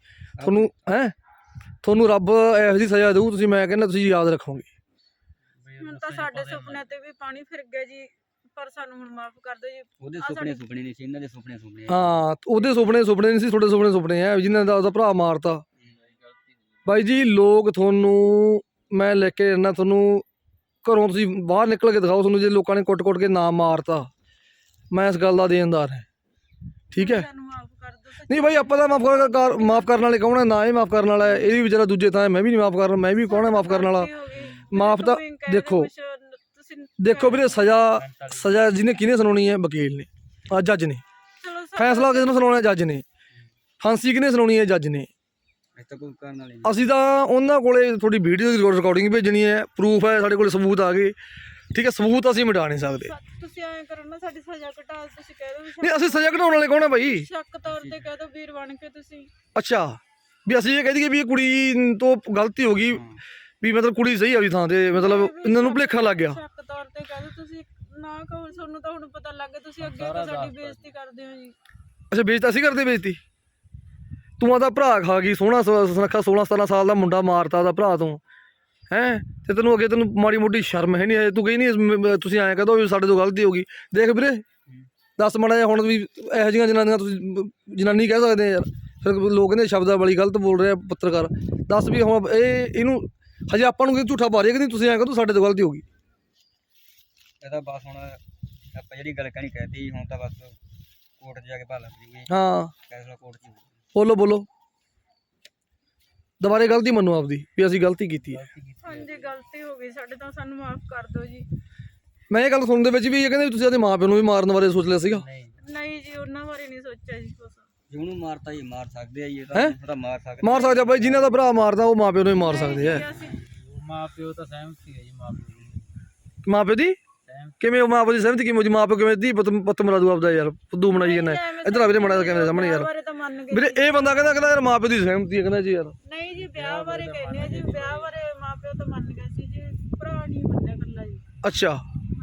ਤੁਹਾਨੂੰ ਰੱਬ ਇਹੋ ਜਿਹੀ ਸਜ਼ਾ ਦੇਊ, ਤੁਸੀਂ ਮੈਂ ਕਹਿੰਦਾ ਤੁਸੀਂ ਯਾਦ ਰੱਖੋਗੇ। ਹੁਣ ਤਾਂ ਸਾਡੇ ਸੁਪਨੇ ਤੇ ਵੀ ਪਾਣੀ ਫਿਰ ਗਿਆ ਜੀ, ਪਰ ਸਾਨੂੰ ਹੁਣ ਮਾਫ ਕਰ ਦਿਓ ਜੀ। ਉਹਦੇ ਸੁਪਨੇ ਨਹੀਂ ਸੀ, ਇਹਨਾਂ ਦੇ ਸੁਪਨੇ ਹਾਂ ਉਹਦੇ ਸੁਪਨੇ ਨਹੀਂ ਸੀ, ਤੁਹਾਡੇ ਸੁਪਨੇ ਆ ਜਿਨ੍ਹਾਂ ਦਾ ਉਹਦਾ ਭਰਾ ਮਾਰਤਾ। ਬਾਈ ਜੀ ਲੋਕ ਤੁਹਾਨੂੰ ਮੈਂ ਲੈ ਕੇ ਜਾਣਾ, ਤੁਹਾਨੂੰ ਘਰੋਂ ਤੁਸੀਂ ਬਾਹਰ ਨਿਕਲ ਕੇ ਦਿਖਾਓ, ਤੁਹਾਨੂੰ ਜੇ ਲੋਕਾਂ ਨੇ ਕੁੱਟ-ਕੁੱਟ ਕੇ ਨਾ ਮਾਰਤਾ, ਮੈਂ ਇਸ ਗੱਲ ਦਾ ਦੇਣਦਾਰ ਹਾਂ। ਠੀਕ ਹੈ? ਸਾਨੂੰ ਮਾਫ ਕਰ ਦਿਓ। ਨਹੀਂ ਬਾਈ ਆਪਾਂ ਤਾਂ ਮਾਫ ਕਰਨ ਵਾਲੇ ਕੌਣ ਹੈ? ਨਾ ਇਹ ਮਾਫ ਕਰਨ ਵਾਲਾ ਹੈ, ਇਹ ਵੀ ਵਿਚਾਰਾ ਦੂਜੇ ਥਾਂ। ਮੈਂ ਵੀ ਨਹੀਂ ਮਾਫ ਕਰਨਾ, ਮੈਂ ਵੀ ਕੌਣ ਹੈ ਮਾਫ ਕਰਨ ਵਾਲਾ? ਮਾਫ ਤਾਂ ਦੇਖੋ ਵੀਰੇ, ਸਜ਼ਾ ਜਿਹਨੇ ਕਿਹਨੇ ਸੁਣਾਉਣੀ ਹੈ? ਵਕੀਲ ਨੇ, ਜੱਜ ਨੇ। ਫੈਸਲਾ ਕਿਸ ਨੂੰ ਸੁਣਾਉਣਾ? ਜੱਜ ਨੇ। ਫਾਂਸੀ ਕਿਹਨੇ ਸੁਣਾਉਣੀ ਹੈ? ਜੱਜ ਨੇ। ਕੋਈ ਕਰਨ ਵਾਲੇ ਅਸੀਂ ਤਾਂ ਉਹਨਾਂ ਕੋਲੇ ਤੁਹਾਡੀ ਵੀਡੀਓ ਦੀ ਰਿਕਾਰਡਿੰਗ ਭੇਜਣੀ ਹੈ, ਪ੍ਰੂਫ ਹੈ ਸਾਡੇ ਕੋਲ, ਸਬੂਤ ਆ ਗਏ। ਠੀਕ ਹੈ? ਸਬੂਤ ਅਸੀਂ ਮਿਟਾ ਨਹੀਂ ਸਕਦੇ। ਤੁਸੀਂ ਐਂ ਕਰੋ ਨਾ, ਸਾਡੀ ਸਜ਼ਾ ਘਟਾ, ਤੁਸੀਂ ਕਹਿ ਦਿਓ ਨਹੀਂ ਅਸੀਂ ਸਜ਼ਾ ਘਟਾਉਣ ਵਾਲੇ ਕੌਣ ਹੈ ਬਾਈ? ਸ਼ੱਕ ਤੌਰ ਤੇ ਕਹਿ ਦਿਓ ਵੀਰ ਬਣ ਕੇ ਤੁਸੀਂ। ਅੱਛਾ ਵੀ ਅਸੀਂ ਇਹ ਕਹਿ ਦਈਏ ਵੀ ਇਹ ਕੁੜੀ ਤੋਂ ਗਲਤੀ ਹੋ ਗਈ, ਵੀ ਮਤਲਬ ਕੁੜੀ ਸਹੀ ਆ ਵੀ ਥਾਂ ਤੇ, ਮਤਲਬ ਇਹਨਾਂ ਨੂੰ ਭੁਲੇਖਾ ਲੱਗ ਗਿਆ। ਸ਼ੱਕ ਤੌਰ ਤੇ ਕਹਿ ਦਿਓ ਤੁਸੀਂ, ਨਾ ਕਹੋ। ਤੁਹਾਨੂੰ ਤਾਂ ਹੁਣ ਪਤਾ ਲੱਗ ਗਿਆ, ਤੁਸੀਂ ਅੱਗੇ ਤੋਂ ਸਾਡੀ ਬੇਇੱਜ਼ਤੀ ਕਰਦੇ ਹੋ ਜੀ। ਅੱਛਾ ਬੇਇੱਜ਼ਤੀ ਅਸੀਂ ਕਰਦੇ? ਬੇਇੱਜ਼ਤੀ ਤੂੰ ਆਦਾ ਭਰਾ ਖਾ ਗਈ, ਸੋਹਣਾ ਸੁਨੱਖਾ 16-17 ਸਾਲ ਦਾ ਮੁੰਡਾ ਮਾਰਤਾ ਉਹਦਾ ਭਰਾ ਤੋਂ ਹੈਂ, ਤੇ ਤੈਨੂੰ ਅੱਗੇ ਤੈਨੂੰ ਮਾੜੀ ਮੋਟੀ ਸ਼ਰਮ ਹੈ ਨਹੀਂ? ਤੂੰ ਕਹੀ ਨਹੀਂ ਤੁਸੀਂ ਐਂ ਕਹਦੋ ਵੀ ਸਾਡੇ ਤੋਂ ਗਲਤੀ ਹੋ ਗਈ। ਦੇਖ ਵੀਰੇ ਦੱਸ ਮਾੜਾ ਜਿਹਾ ਹੁਣ ਵੀ ਇਹੋ ਜਿਹੀਆਂ ਜਨਾਨੀਆਂ ਤੁਸੀਂ ਜਨਾਨੀ ਕਹਿ ਸਕਦੇ ਯਾਰ, ਫਿਰ ਲੋਕ ਕਹਿੰਦੇ ਸ਼ਬਦਾਵਲੀ ਗਲਤ ਬੋਲ ਰਹੇ ਆ ਪੱਤਰਕਾਰ। ਦੱਸ ਵੀ ਹੁਣ ਇਹਨੂੰ ਹਜੇ ਆਪਾਂ ਨੂੰ ਝੂਠਾ ਪਾ ਰਹੇ ਕਿ ਨਹੀਂ? ਤੁਸੀਂ ਐਂ ਕਹਦੋ ਸਾਡੇ ਤੋਂ ਗਲਤੀ ਹੋ ਗਈ। ਇਹਦਾ ਬਸ ਹੁਣ ਆਪਾਂ ਜਿਹੜੀ ਗੱਲ ਕਹਿਣੀ ਕਹਿਤੀ, ਹੁਣ ਤਾਂ ਬਸ ਕੋਰਟ 'ਚ ਜਾ ਕੇ ਭਾਲ ਲੱਗੀ। ਹਾਂ ਫੈਸਲਾ ਕੋਰਟ 'ਚ ਬੋਲੋ ਦੁਬਾਰੇ ਗਲਤੀ ਮੰਨੋ ਆਪਦੀ ਵੀ ਅਸੀਂ ਗਲਤੀ ਕੀਤੀ ਹੈ। ਹਾਂਜੀ ਗਲਤੀ ਹੋ ਗਈ ਸਾਡੇ ਤੋਂ, ਸਾਨੂੰ ਮਾਫ ਕਰ ਦਿਓ ਜੀ। ਮੈਂ ਇਹ ਗੱਲ ਸੁਣਨ ਦੇ ਵਿੱਚ ਵੀ ਇਹ ਕਹਿੰਦੇ ਤੁਸੀਂ ਆਪਣੇ ਮਾਂ ਪਿਓ ਨੂੰ ਵੀ ਮਾਰਨ ਬਾਰੇ ਸੋਚ ਲਿਆ ਸੀਗਾ? ਨਹੀਂ ਜੀ, ਉਹਨਾਂ ਬਾਰੇ ਨਹੀਂ ਸੋਚਿਆ ਜੀ ਕੁਛ। ਜੇ ਉਹਨੂੰ ਮਾਰਤਾ ਜੀ ਮਾਰ ਸਕਦੇ ਆ ਜੀ, ਇਹ ਤਾਂ ਮਾਰ ਸਕਦੇ ਆ ਬਾਈ। ਜਿਨ੍ਹਾਂ ਦਾ ਭਰਾ ਮਾਰਦਾ ਉਹ ਮਾਂ ਪਿਓ ਨੂੰ ਵੀ ਮਾਰ ਸਕਦੇ ਆ। ਮਾਂ ਪਿਓ ਤਾਂ ਸਹਿਮਤ ਹੀ ਹੈ ਜੀ, ਮਾਂ ਪਿਓ ਦੀ ਕਿਵੇਂ? ਮਾਂ ਪਿਓ ਦੀ ਸਹਿਮਤੀ ਕਿਵੇਂ? ਮਾਂ ਪਿਓ ਕਿਵੇਂ ਦੀ ਪੁੱਤ ਮਰਾ ਦੂ ਆਪਦਾ ਯਾਰ? ਫੁੱਦੂ ਬਣਾਈ ਜਾਂਦਾ ਇੱਧਰ ਆ ਵੀਰੇ ਮਾੜਾ ਕੈਮਰੇ ਸਾਹਮਣੇ ਯਾਰ। ਵੀਰੇ ਇਹ ਬੰਦਾ ਕਹਿੰਦਾ ਯਾਰ ਮਾਂ ਪਿਓ ਦੀ ਸਹਿਮਤੀ ਹੈ, ਕਹਿੰਦਾ ਜੀ ਯਾਰ। ਨਹੀਂ ਜੀ ਵਿਆਹ ਬਾਰੇ ਕਹਿੰਦੇ ਆ ਜੀ, ਵਿਆਹ ਬਾਰੇ ਮਾਂ ਪਿਓ ਤਾਂ ਮੰਨ ਗਏ ਸੀ ਜੀ, ਭਰਾ ਨਹੀਂ ਮੰਨਿਆ ਇਕੱਲਾ ਜੀ। ਅੱਛਾ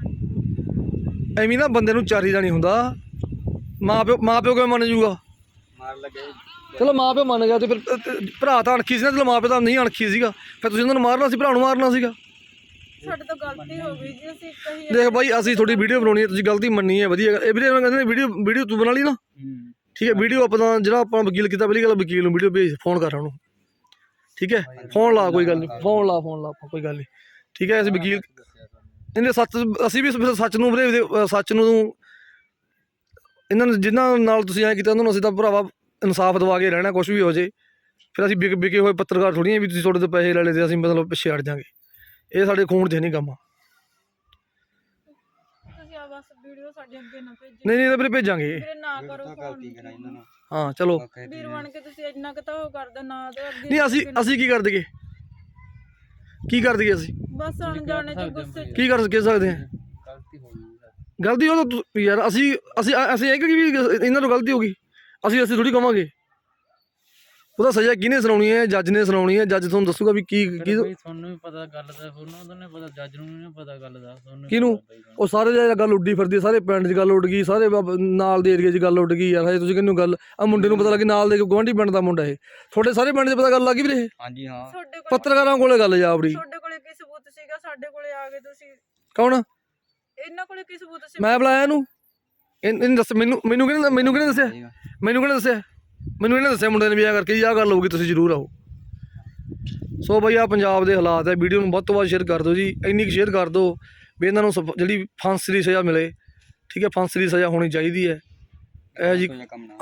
ਐਵੇਂ ਨਾ ਬੰਦੇ ਨੂੰ ਚਾਰੀਦਾ ਨਹੀਂ ਹੁੰਦਾ। ਮਾਂ ਪਿਓ ਕਿਵੇਂ ਮੰਨ ਜੂਗਾ? ਮਾਰ ਲੱਗੇ ਚਲੋ ਮਾਂ ਪਿਓ ਮੰਨ ਗਿਆ ਤੇ ਫਿਰ ਭਰਾ ਤਾਂ ਅਣਖੀ ਸੀ ਨਾ, ਚਲੋ ਮਾਂ ਪਿਓ ਤਾਂ ਨਹੀਂ ਅਣਖੀ ਸੀਗਾ, ਫਿਰ ਤੁਸੀਂ ਉਹਨਾਂ ਨੂੰ ਮਾਰਨਾ ਸੀ, ਭਰਾ ਨੂੰ ਮਾਰਨਾ ਸੀਗਾ। ਸਾਡੇ ਤੋਂ ਗਲਤੀ ਹੋ ਗਈ ਜੀ, ਅਸੀਂ ਕਹੀ ਦੇਖ ਬਾਈ ਅਸੀਂ ਤੁਹਾਡੀ ਵੀਡੀਓ ਬਣਾਉਣੀ ਹੈ, ਤੁਸੀਂ ਗਲਤੀ ਮੰਨੀ ਹੈ, ਵਧੀਆ। ਇਹ ਵੀਰੇ ਕਹਿੰਦੇ ਵੀਡੀਓ ਤੂੰ ਬਣਾ ਲਈ ਨਾ? ਠੀਕ ਹੈ। ਵੀਡੀਓ ਆਪਾਂ ਜਿਹੜਾ ਆਪਾਂ ਵਕੀਲ ਕੀਤਾ, ਪਹਿਲੀ ਗੱਲ ਵਕੀਲ ਨੂੰ ਵੀਡੀਓ ਭੇਜ, ਫੋਨ ਕਰ ਉਹਨੂੰ। ਠੀਕ ਹੈ? ਫੋਨ ਲਾ, ਕੋਈ ਗੱਲ ਨਹੀਂ, ਫੋਨ ਲਾ ਆਪਾਂ, ਕੋਈ ਗੱਲ ਨਹੀਂ। ਠੀਕ ਹੈ? ਅਸੀਂ ਵਕੀਲ ਇਹਨੇ ਅਸੀਂ ਵੀ ਸੱਚ ਨੂੰ ਵੀਰੇ, ਸੱਚ ਨੂੰ ਇਹਨਾਂ ਨੂੰ ਜਿਨ੍ਹਾਂ ਨਾਲ ਤੁਸੀਂ ਐਂ ਕੀਤਾ ਉਹਨਾਂ ਨੂੰ ਅਸੀਂ ਤਾਂ ਭਰਾਵਾ ਇਨਸਾਫ ਦਵਾ ਕੇ ਰਹਿਣਾ, ਕੁਛ ਵੀ ਹੋ ਜੇ। ਫਿਰ ਅਸੀਂ ਵਿਕੇ ਹੋਏ ਪੱਤਰਕਾਰ ਥੋੜ੍ਹੀ ਵੀ ਤੁਸੀਂ ਤੁਹਾਡੇ ਤੋਂ ਪੈਸੇ ਲੈ ਲਏ ਤੇ ਅਸੀਂ ਮਤਲਬ ਪਿੱਛੇ ਹਟ ਜਾਵਾਂਗੇ। ਇਹ ਸਾਡੇ ਖੂਨ 'ਚ ਨਹੀਂ ਕੰਮ। ਤੁਸੀਂ ਆ ਬਸ ਵੀਡੀਓ ਸਾਡੇ ਅੱਗੇ ਨਾ ਭੇਜੋ। ਨਹੀਂ ਵੀਰੇ ਭੇਜਾਂਗੇ। ਵੀਰੇ ਨਾ ਕਰੋ ਫੋਨ। ਹਾਂ ਚਲੋ ਵੀਰ ਬਣ ਕੇ ਤੁਸੀਂ ਇੰਨਾ ਕੁ ਤਾਂ ਉਹ ਕਰਦੇ ਨਾ ਤੇ ਅੱਗੇ ਨਹੀਂ। ਅਸੀਂ ਕੀ ਕਰ ਦਈਏ? ਅਸੀਂ ਬਸ ਅਣਜਾਣੇ ਚ ਗੁੱਸੇ ਕੀ ਕਰ ਸਕਦੇ ਹਾਂ? ਗਲਤੀ ਹੋ ਗਈ ਗਲਤੀ ਉਹ ਤਾਂ ਯਾਰ ਅਸੀਂ ਇਹ ਕਿ ਵੀ ਇਹਨਾਂ ਤੋਂ ਗਲਤੀ ਹੋ ਗਈ, ਅਸੀਂ ਥੋੜ੍ਹੀ ਕਵਾਂਗੇ। ਉਹਦਾ ਸਜ਼ਾ ਕਿਹਨੇ ਸੁਣਾਉਣੀ ਹੈ? ਜੱਜ ਨੇ ਸੁਣਾਉਣੀ ਹੈ। ਜੱਜ ਤੁਹਾਨੂੰ ਦੱਸੂਗਾ ਵੀ ਕੀ ਤੁਹਾਨੂੰ ਵੀ ਪਤਾ ਗੱਲ ਦਾ, ਉਹਨਾਂ ਨੂੰ ਨਹੀਂ ਪਤਾ, ਜੱਜ ਨੂੰ ਨਹੀਂ ਪਤਾ ਗੱਲ ਦਾ। ਕਿਹਨੂੰ? ਉਹ ਸਾਰੇ ਜਿਹੜਾ ਗੱਲ ਉੱਡੀ ਫਿਰਦੀ, ਸਾਰੇ ਪਿੰਡ 'ਚ ਗੱਲ ਉੱਡ ਗਈ, ਸਾਰੇ ਨਾਲ ਦੇ ਏਰੀਏ 'ਚ ਗੱਲ ਉੱਡ ਗਈ ਯਾਰ। ਹਜੇ ਤੁਸੀਂ ਕਿਹਨੂੰ ਗੱਲ ਆ ਮੁੰਡੇ ਨੂੰ ਪਤਾ ਲੱਗੀ, ਨਾਲ ਦੇ ਗੁਆਂਢੀ ਪਿੰਡ ਦਾ ਮੁੰਡਾ ਇਹ, ਤੁਹਾਡੇ ਸਾਰੇ ਪਿੰਡ 'ਚ ਪਤਾ ਗੱਲ ਲੱਗੀ ਵੀਰੇ? ਹਾਂਜੀ ਹਾਂ। ਤੁਹਾਡੇ ਕੋਲ ਪੱਤਰਕਾਰਾਂ ਕੋਲੇ ਗੱਲ ਜਾ ਆਪਣੀ। ਤੁਹਾਡੇ ਕੋਲੇ ਕੀ ਸਬੂਤ ਸੀਗਾ? ਸਾਡੇ ਕੋਲੇ ਆ ਗਏ ਤੁਸੀਂ। ਕੌਣ? ਇਹਨਾਂ ਕੋਲੇ ਕੀ ਸਬੂਤ ਸੀ? ਮੈਂ ਬੁਲਾਇਆ ਇਹਨੂੰ, ਇਹਨੇ ਦੱਸ ਮੈਨੂੰ ਕਿਹਨੇ ਦੱਸਿਆ? ਮੈਨੂੰ ਕਿਹਨੇ ਦੱਸਿਆ? ਮੈਨੂੰ ਇਹਨੇ ਦੱਸਿਆ ਮੁੰਡੇ ਨੇ ਵੀ ਆ ਕਰਕੇ ਜੀ ਆਹ ਗੱਲ ਹੋਊਗੀ, ਤੁਸੀਂ ਜ਼ਰੂਰ ਆਓ। ਸੋ ਬਈ ਆ ਪੰਜਾਬ ਦੇ ਹਾਲਾਤ ਹੈ। ਵੀਡੀਓ ਨੂੰ ਵੱਧ ਤੋਂ ਵੱਧ ਸ਼ੇਅਰ ਕਰ ਦਿਓ ਜੀ, ਇੰਨੀ ਕੁ ਸ਼ੇਅਰ ਕਰ ਦਿਓ ਵੀ ਇਹਨਾਂ ਨੂੰ ਜਿਹੜੀ ਫਾਂਸੀ ਦੀ ਸਜ਼ਾ ਮਿਲੇ। ਠੀਕ ਹੈ, ਫਾਂਸੀ ਦੀ ਸਜ਼ਾ ਹੋਣੀ ਚਾਹੀਦੀ ਹੈ ਇਹ ਜੀ।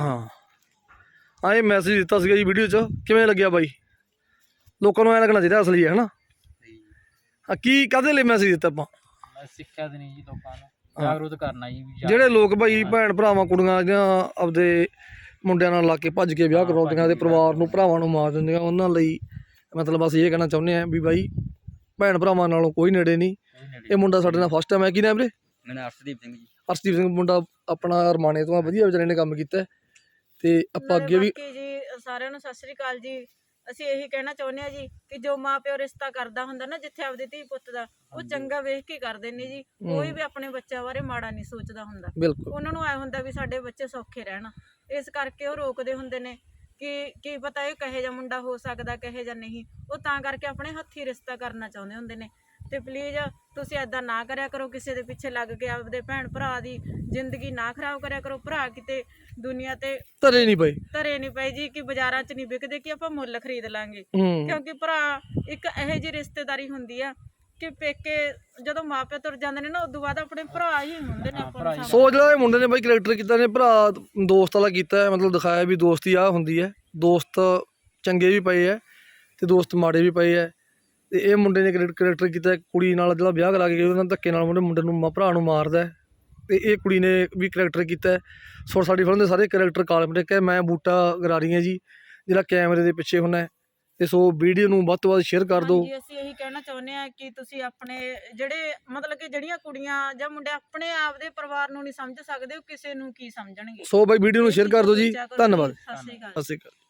ਹਾਂ ਇਹ ਮੈਸੇਜ ਦਿੱਤਾ ਸੀਗਾ ਜੀ ਵੀਡੀਓ 'ਚ। ਕਿਵੇਂ ਲੱਗਿਆ ਬਾਈ? ਲੋਕਾਂ ਨੂੰ ਐਂ ਲੱਗਣਾ ਚਾਹੀਦਾ ਅਸਲੀ ਹੈ ਨਾ। ਹਾਂ ਕੀ ਕਾਹਦੇ ਲਈ ਮੈਸੇਜ ਦਿੱਤਾ ਆਪਾਂ? ਸਿੱਖਿਆ ਦੇਣੀ ਜੀ, ਲੋਕਾਂ ਨੂੰ ਜਾਗਰੂਕ ਕਰਨਾ ਜੀ ਵੀ ਜਿਹੜੇ ਲੋਕ ਭਾਈ ਭੈਣ ਭਰਾਵਾਂ ਕੁੜੀਆਂ ਜਾਂ ਆਪਦੇ ਮੁੰਡਿਆਂ ਨਾਲ ਲਾ ਕੇ ਭੱਜ ਕੇ ਵਿਆਹ ਕਰਵਾਉਂਦੀਆਂ ਤੇ ਪਰਿਵਾਰ ਨੂੰ ਭਰਾਵਾਂ ਨੂੰ ਮਾਰ ਦਿੰਦੀਆਂ, ਉਹਨਾਂ ਲਈ ਮਤਲਬ ਅਸੀਂ ਇਹ ਕਹਿਣਾ ਚਾਹੁੰਦੇ ਹਾਂ ਵੀ ਬਾਈ ਭੈਣ ਭਰਾਵਾਂ ਨਾਲੋਂ ਕੋਈ ਨੇੜੇ ਨਹੀਂ। ਇਹ ਮੁੰਡਾ ਸਾਡੇ ਨਾਲ ਫਸਟ ਟਾਈਮ ਹੈ। ਕੀ ਨਾਮ ਵੀਰੇ? ਮੇਰਾ ਅਰਸ਼ਦੀਪ ਸਿੰਘ ਜੀ। ਅਰਸ਼ਦੀਪ ਸਿੰਘ ਮੁੰਡਾ ਆਪਣਾ ਰਮਾਣੇ ਤੋਂ ਆ, ਵਧੀਆ ਵਿਚਾਰੇ ਨੇ ਕੰਮ ਕੀਤਾ ਤੇ ਆਪਾਂ ਅੱਗੇ ਵੀ ਜੀ ਸਾਰਿਆਂ ਨੂੰ ਸਤਿ ਸ੍ਰੀ ਅਕਾਲ ਜੀ। ਅਸੀਂ ਇਹੀ ਕਹਿਣਾ ਚਾਹੁੰਦੇ ਹਾਂ ਜੀ ਕਿ ਜੋ ਮਾਂ ਪਿਓ ਰਿਸ਼ਤਾ ਕਰਦਾ ਹੁੰਦਾ ਨਾ ਜਿੱਥੇ ਆਪਦੇ ਧੀ ਪੁੱਤ ਦਾ, ਉਹ ਚੰਗਾ ਵੇਖ ਕੇ ਕਰਦੇ ਨੇ ਜੀ। ਕੋਈ ਵੀ ਆਪਣੇ ਬੱਚਿਆਂ ਬਾਰੇ ਮਾੜਾ ਨਹੀਂ ਸੋਚਦਾ ਹੁੰਦਾ। ਬਿਲਕੁਲ ਉਹਨਾਂ ਨੂੰ ਐ ਹੁੰਦਾ ਵੀ ਸਾਡੇ ਬੱਚੇ ਸੌਖੇ ਰਹਿਣ, ਇਸ ਕਰਕੇ ਉਹ ਰੋਕਦੇ ਹੁੰਦੇ ਨੇ ਕਿ ਕੀ ਪਤਾ ਇਹ ਕਹੇ ਜਿਹਾ ਮੁੰਡਾ ਹੋ ਸਕਦਾ ਕਹੇ ਜਾਂ ਨਹੀਂ। ਉਹ ਤਾਂ ਕਰਕੇ ਆਪਣੇ ਹੱਥੀਂ ਰਿਸ਼ਤਾ ਕਰਨਾ ਚਾਹੁੰਦੇ ਹੁੰਦੇ ਨੇ। ਤੇ ਪਲੀਜ਼ ਤੁਸੀਂ ਐਦਾਂ ਨਾ ਕਰਿਆ ਕਰੋ, ਕਿਸੇ ਦੇ ਪਿੱਛੇ ਲੱਗ ਕੇ ਆਪਦੇ ਭੈਣ ਭਰਾ ਦੀ ਜ਼ਿੰਦਗੀ ਨਾ ਖਰਾਬ ਕਰਿਆ ਕਰੋ। ਭਰਾ ਕਿਤੇ ਦੁਨੀਆ ਤੇ ਧਰੇ ਨਹੀਂ ਪਏ ਜੀ ਕਿ ਬਾਜ਼ਾਰਾਂ 'ਚ ਨਹੀਂ ਵਿਕਦੇ ਕਿ ਆਪਾਂ ਮੁੱਲ ਖਰੀਦ ਲਾਂਗੇ। ਕਿਉਂਕਿ ਭਰਾ ਇੱਕ ਇਹੋ ਜਿਹੀ ਰਿਸ਼ਤੇਦਾਰੀ ਹੁੰਦੀ ਆ ਕਿ ਪੇਕੇ ਜਦੋਂ ਮਾਪੇ ਤੁਰ ਜਾਂਦੇ ਨੇ ਨਾ ਉਦੋਂ ਬਾਅਦ ਆਪਣੇ ਭਰਾ ਹੀ ਹੁੰਦੇ ਨੇ ਆਪਾਂ ਨੂੰ। ਸੋ ਜਿਹੜਾ ਇਹ ਮੁੰਡੇ ਨੇ ਬਾਈ ਕਰੈਕਟਰ ਕੀਤਾ ਨੇ ਭਰਾ ਦੋਸਤ ਵਾਲਾ ਕੀਤਾ, ਮਤਲਬ ਦਿਖਾਇਆ ਵੀ ਦੋਸਤੀ ਆਹ ਹੁੰਦੀ ਹੈ। ਦੋਸਤ ਚੰਗੇ ਵੀ ਪਏ ਹੈ ਤੇ ਦੋਸਤ ਮਾੜੇ ਵੀ ਪਏ ਹੈ। ਤੇ ਇਹ ਮੁੰਡੇ ਨੇ ਕਰੈਕਟਰ ਕੀਤਾ ਕੁੜੀ ਨਾਲ ਜਿਹੜਾ ਵਿਆਹ ਕਰਾ ਕੇ ਉਹਨਾਂ ਧੱਕੇ ਨਾਲ ਮੁੰਡੇ ਨੂੰ ਭਰਾ ਨੂੰ ਮਾਰਦਾ ਤੇ ਇਹ ਕੁੜੀ ਨੇ ਵੀ ਕਰੈਕਟਰ ਕੀਤਾ। ਸੋ ਸਾਡੀ ਫਿਲਮ ਦੇ ਸਾਰੇ ਕਰੈਕਟਰ ਕਾਲਪਨਿਕ ਹੈ। ਮੈਂ ਬੂਟਾ ਗਰਾਰੀ ਹਾਂ ਜੀ, ਜਿਹੜਾ ਕੈਮਰੇ ਦੇ ਪਿੱਛੇ ਹੁੰਦਾ। ਤੇ ਸੋ ਵੀਡੀਓ ਨੂੰ ਵੱਧ ਤੋਂ ਵੱਧ ਸ਼ੇਅਰ ਕਰ ਦਿਓ। ਅਸੀਂ ਇਹੀ ਕਹਿਣਾ ਚਾਹੁੰਦੇ ਹਾਂ ਕਿ ਤੁਸੀਂ ਆਪਣੇ ਜਿਹੜੇ ਮਤਲਬ ਕਿ ਜਿਹੜੀਆਂ ਕੁੜੀਆਂ ਜਾਂ ਮੁੰਡੇ ਆਪਣੇ ਆਪ ਦੇ ਪਰਿਵਾਰ ਨੂੰ ਨਹੀਂ ਸਮਝ ਸਕਦੇ, ਉਹ ਕਿਸੇ ਨੂੰ ਕੀ ਸਮਝਣਗੇ। ਸੋ ਬਾਈ ਵੀਡੀਓ ਨੂੰ ਸ਼ੇਅਰ ਕਰ ਦਿਓ ਜੀ। ਧੰਨਵਾਦ। ਸਤਿ ਸ਼੍ਰੀ ਅਕਾਲ। ਸਤਿ ਸ਼੍ਰੀ ਅਕਾਲ।